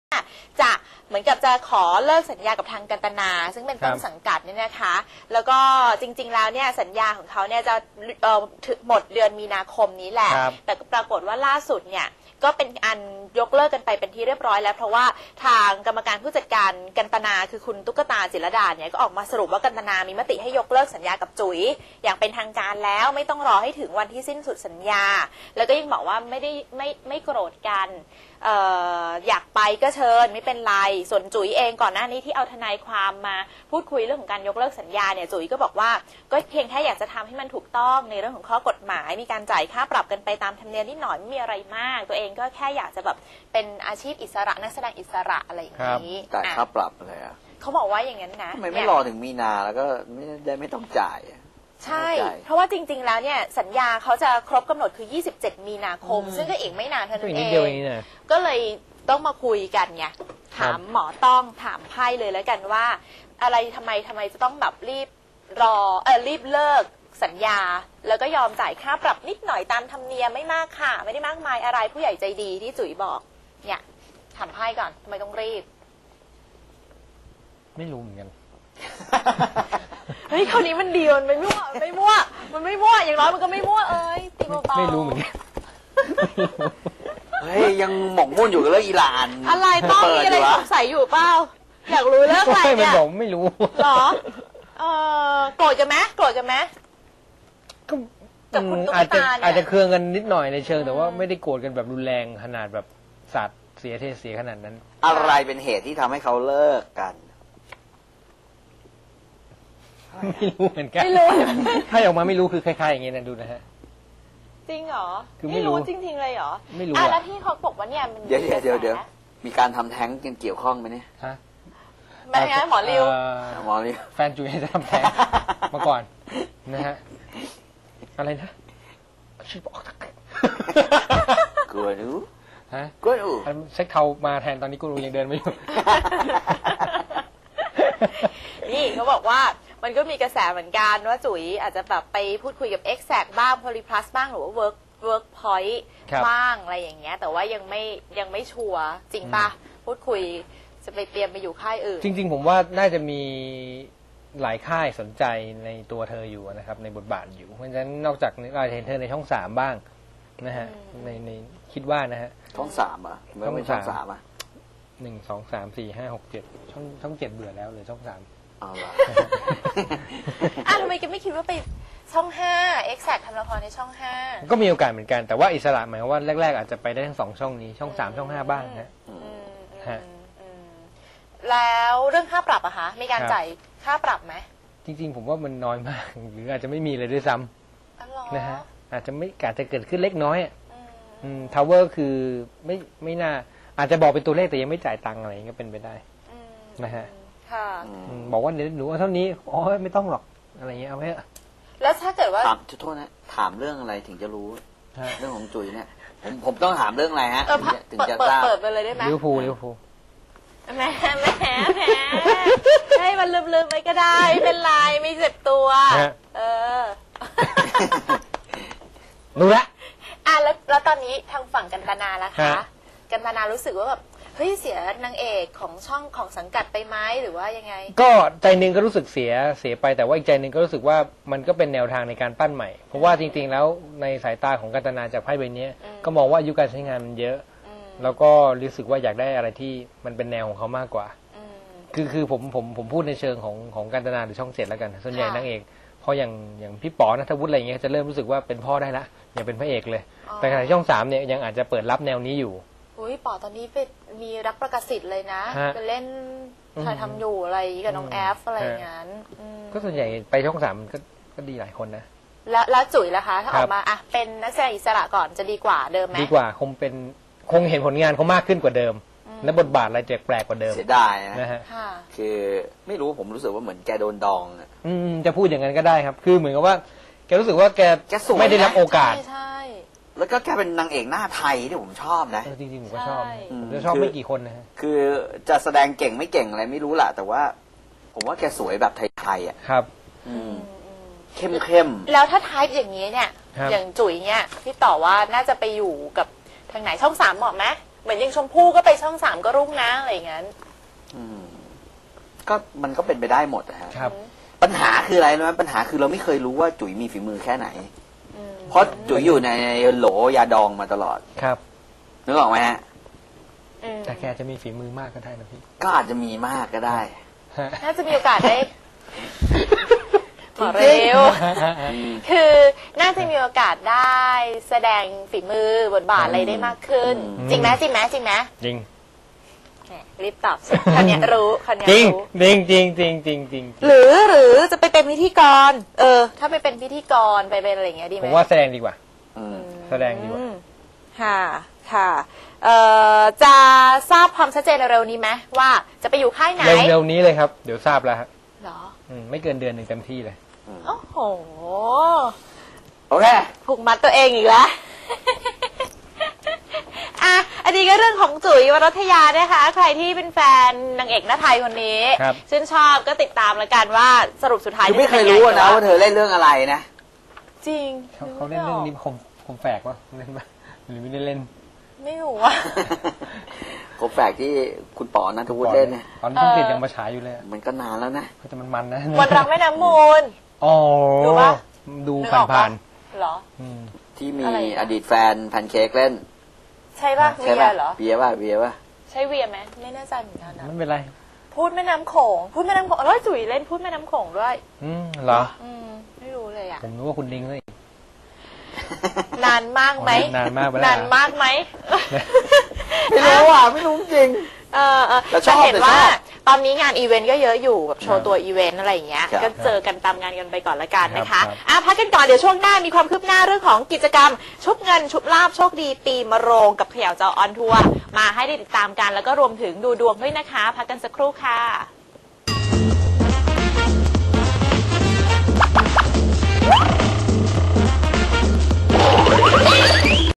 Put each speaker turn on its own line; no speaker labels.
จะเหมือนกับจะขอเลิกสัญญากับทางกันตนาซึ่งเป็นต้นสังกัดเนี่ยนะคะแล้วก็จริงๆแล้วเนี่ยสัญญาของเขาเนี่ยจะหมดเดือนมีนาคมนี้แหละแต่ปรากฏว่าล่าสุดเนี่ยก็เป็นอันยกเลิกกันไปเป็นที่เรียบร้อยแล้วเพราะว่าทางกรรมการผู้จัดการกันตนาคือคุณตุ๊กตาจิรดาเนี่ยก็ออกมาสรุปว่ากันตนามีมติให้ยกเลิกสัญญากับจุ๋ยอย่างเป็นทางการแล้วไม่ต้องรอให้ถึงวันที่สิ้นสุดสัญญาแล้วก็ยังบอกว่าไม่โกรธกันอยากไปก็เชิญไม่เป็นไรส่วนจุ๋ยเองก่อนหน้านี้ที่เอาทนายความมาพูดคุยเรื่องของการยกเลิกสัญญาเนี่ยจุ๋ยก็บอกว่าก็เพียงแค่อยากจะทำให้มันถูกต้องในเรื่องของข้อกฎหมายมีการจ่ายค่าปรับกันไปตามธรรมเนียมนิดหน่อยไม่มีอะไรมากตัวเองก็แค่อยากจะแบบเป็นอาชีพอิสระนักแสดงอิสระอะไรอย่างนี้
จ่ายค่าปรับอะไรอ่ะ
เขาบอกว่าอย่างนั้นนะ
ทำไมไม่รอถึงมีนาแล้วก็ไม่ต้องจ่าย
ใช่เพราะว่าจริงๆแล้วเนี่ยสัญญาเขาจะครบกำหนดคือ27มีนาคมซึ่งก็อีกไม่นานเท่านั้นเองก็เลยต้องมาคุยกันไงถามหมอต้องถามไพ่เลยแล้วกันว่าอะไรทำไมจะต้องแบบรีบเลิกสัญญาแล้วก็ยอมจ่ายค่าปรับนิดหน่อยตามธรรมเนียมไม่มากค่ะไม่ได้มากมายอะไรผู้ใหญ่ใจดีที่จุ๋ยบอกเนี่ยถามไพ่ก่อนทำไมต้องรีบ
ไม่รู้เหมือนกัน
เฮ้ยคราวนี้มันดีมันไม่มั่วมันไม่มั่วอย่างน้อยมันก็ไม่มั่วตีเบาๆ
ไม่รู้เหมือนกัน
เฮ้ยยังหมกมุ่นอยู่กับเรื่องอิหร่าน
อะไรต้องมีอะไรสงสัยอยู่เปล่าอยากรู้เรื่องอะไรเนี่ย
บอกไม่รู้
หรอโกรธกันไหม
ก็อาจจะเคืองกันนิดหน่อยในเชิงแต่ว่าไม่ได้โกรธกันแบบรุนแรงขนาดแบบสาดเสียเทเสียขนาดนั้น
อะไรเป็นเหตุที่ทำให้เขาเลิกกัน
ไม่รู้เหมือนกันถ้าออกมาไม่รู้คือคล้ายๆอย่างเงี้ยนะดูนะฮะ
จริงเหรอคือไม่รู้จริงๆเลยเหรอ
ไม่รู้
แล้วที่เขาบอกว่าเนี่ยมัน
เดี๋ยวมีการทำแท้งกันเกี่ยวข้องไหมเนี่ย
ฮะ
แม่หมอริว
แฟนจุ๋ยจะทำแท้งมาก่อนนะฮะอะไรนะชื่อบอก
กลัวรู้
ฮะกลัวรู้เซ็กเทามาแทนตอนนี้กูรู้ยังเดินไม่อยู่
นี่เขาบอกว่ามันก็มีกระแสเหมือนกันว่าจุ๋ยอาจจะแบบไปพูดคุยกับ Exact บ้าง Polyplus บ้างหรือว่า Workpoint บ้างอะไรอย่างเงี้ยแต่ว่ายังไม่ชัวร์จริงปะพูดคุยจะไปเตรียมไปอยู่ค่ายอื่น
จริงๆผมว่าน่าจะมีหลายค่ายสนใจในตัวเธออยู่นะครับในบทบาทอยู่เพราะฉะนั้นนอกจากรายเทนเธอในช่อง3บ้างนะฮะในคิดว่านะฮะ
ช่อง3อ่ะไม่เป็นช่อง3อ่ะ
1 2 3 4 5 6 7ช่อง7เบื่อแล้วเลยช่อง3
เอาล่ะ
ทำไมแกไม่คิดว่าไปช่อง5 Exact ทำละครในช่อง5
ก็มีโอกาสเหมือนกันแต่ว่าอิสระหมายว่าแรกๆอาจจะไปได้ทั้ง2ช่องนี้ช่อง3ช่อง5บ้างนะ
แล้วเรื่องค่าปรับอะคะมีการจ่ายค่าปรับไหม
จริงๆผมว่ามันน้อยมากหรืออาจจะไม่มีเลยด้วยซ้ำนะฮะอาจจะเกิดขึ้นเล็กน้อยทาวเวอร์คือไม่น่าอาจจะบอกเป็นตัวเลขแต่ยังไม่จ่ายตังค์อะไรก็เป็นไปได้นะฮะบอกว่าหนูเท่านี้ไม่ต้องหรอกอะไรเงี้ยเอาไว้
แล้วถ้าเกิดว่า
โทษนะถามเรื่องอะไรถึงจะรู้เรื่องของจุ๋ยเนี่ยผมต้องถามเรื่องอะไรฮะถึงจะทราบ
เปิดไปเลยได้ไหม
ลิเวอร์พูล
แหมให้มันลืมไปก็ได้ไม่เป็นไรไม่เจ็บตัว
รู้ละ
แล้วตอนนี้ทางฝั่งกันตนาล่ะคะกันตนารู้สึกว่าแบบเฮ้ยเสียนางเอกของช่องของสังกัดไปไหมหรือว่ายังไง
ก็ใจนึงก็รู้สึกเสียไปแต่ว่าอีกใจนึงก็รู้สึกว่ามันก็เป็นแนวทางในการปั้นใหม่เพราะว่าจริงๆแล้วในสายตาของกันตนาจากไพ่ใบนี้ก็มองว่าอายุการใช้งานมันเยอะแล้วก็รู้สึกว่าอยากได้อะไรที่มันเป็นแนวของเขามากกว่าคือผมพูดในเชิงของกันตนาหรือช่อง7แล้วกันส่วนใหญ่นางเอกพออย่างพี่ป๋อณัฐวุฒิอะไรเงี้ยจะเริ่มรู้สึกว่าเป็นพ่อได้ละอย่าเป็นพระเอกเลยแต่ขณะช่อง3เนี่ยยังอาจจะเปิดรับแนวนี้อยู่
ป๋อตอนนี้เป็นมีรักประกาศสิทธิ์เลยนะไปเล่นถ่ายทำอยู่อะไรกับน้องแอฟอะไรอย่างนั้น
ก็ส่วนใหญ่ไปช่อง3ก็ดีหลายคนนะ
แล้วจุ๋ยล่ะคะถ้าออกมาเป็นนักแสดงอิสระก่อนจะดีกว่าเดิมไหม
ดีกว่าคงเห็นผลงานเขามากขึ้นกว่าเดิมและบทบาทอะไรแปลกกว่าเดิม
เสียดาย
นะฮะ
คือไม่รู้ผมรู้สึกว่าเหมือนแกโดนดอง
จะพูดอย่างนั้นก็ได้ครับคือเหมือนกับว่าแกรู้สึกว่าแกไม่ได้รับโอกาส
ใช่
แล้วก็แกเป็นนางเอกหน้าไทยที่ผมชอบนะ
จริงๆผมก็ชอบชอบไม่กี่คนนะฮะ
คือจะแสดงเก่งไม่เก่งอะไรไม่รู้แหละแต่ว่าผมว่าแกสวยแบบไทยๆอ่ะ
ครับ
เข้ม
แล้วถ้าไทป์อย่างนี้เนี่ยอย่างจุ๋ยเนี่ยพี่ต่อว่าน่าจะไปอยู่กับทางไหนช่อง3เหมาะไหมมือนอยังชมพู่ก็ไปช่อง 3ก็รุ่งนะอะไรอย่างนั้น
ก็มันก็เป็นไปได้หมดนะฮะ
ครับ
ปัญหาคืออะไรรู้ไหมปัญหาคือเราไม่เคยรู้ว่าจุ๋ยมีฝีมือแค่ไหน เพราะจุ๋ยอยู่ในโหลยาดองมาตลอด
ครับ
นึกออกไหมฮะ
แต่แกจะมีฝีมือมากก็ได้นะพี่
ก็อาจจะมีมากก็ได้
น่าจะมีโอกาสได้เร็ว คือน่าจะมีโอกาสได้แสดงฝีมือบทบาทอะไรได้มากขึ้น จริงไหมจริงไหมจริงไหม
จริง
แหมรีบตอบสิคนเนี้ยรู้คนเนี้ย
จริง
รู้
จริงจริงจริงจริงจริง
หรือจะไปเป็นพิธีกร ถ้าไปเป็นพิธีกรไปเป็นอะไรอย่างเงี้ยดีไห
ผม มว่าแสดงดีกว่า แสดงดีกว่า
ค่ะค่ะจะทราบความชัดเจนเร็วๆนี้ไหมว่าจะไปอยู่ค่ายไหน
เร็วๆนี้เลยครับ เดี๋ยวทราบแล้วฮะ
เหรอ
ไม่เกินเดือนหนึ่งเต็มที่เลย
โอ้โห
โอเค
ผูกมัดตัวเองอีกแล้ว อันนี้ก็เรื่องของจุ๋ยวรัตยานะคะ ใครที่เป็นแฟนนางเอกหน้าไทยคนนี้
ครับ
ชื่นชอบก็ติดตามแล้วกันว่าสรุปสุดท้าย
คือไม่เคยรู้นะว่าเธอเล่นเรื่องอะไรนะ
จริง
เขาเล่นเรื่องนี้คมแฝกวะเล่นปะหรือไม่ได้เล่น
ไม่รู้ว่า
โคแฝกที่คุณป๋อนัทวุฒิเล่นเนี่ย
ตอนนี้ต้องติดยังมาฉายอยู่เลย
มันก็นานแล้วนะ
แต่มันนะ
มนต์รักแม่น้ำมูล
อ๋อ
ดูปะ
ดู
นึกออกปะ
ผ่าน
เหรอ
ๆ
ที่มี
อะไรอะ
อดีตแฟนแพนเค้กเล่น
ใช่ป่ะ
ใช่
เวี
ป่ะ
ยเหรอ
เบียร์ป่ะเบียร์ป่ะ
ใช่เวียไหมไม่แน่ใจเหมือนกันนะ
ไม่เป็นไร
พูดแม่น้ำโขงพูดแม่น้ำโขงแล้วจุ๋ยเล่นพูดแม่น้ำโขงด้วย
เหรอ
ไม่รู้เลยอ่ะ
ผมนึกว่าคุณดิ้งเลย
นานมากไหม
นานมากไปแล้ว
นานมากไหม
ไม่รู้อ่ะ ไม่รู้จริง แต่ชอบ
จะเห็น
แต่ชอบ
ว่าตอนนี้งานอีเวนต์ก็เยอะอยู่แบบโชว์ตัวอีเวนต์อะไรอย่างเงี้ย
ครับ
ก็เจอกันตามงานกันไปก่อนละกันนะ
ครั
คะ
บ
พักกันก่อนเดี๋ยวช่วงหน้ามีความคืบหน้าเรื่องของกิจกรรม ชุบเงินชุบลาบโชคดีปีมะโรงกับเขย่าเจ้าออนทัวร์มาให้ได้ติดตามกันแล้วก็รวมถึงดูดวงด้วยนะคะ พักกันสักครู่ค่ะ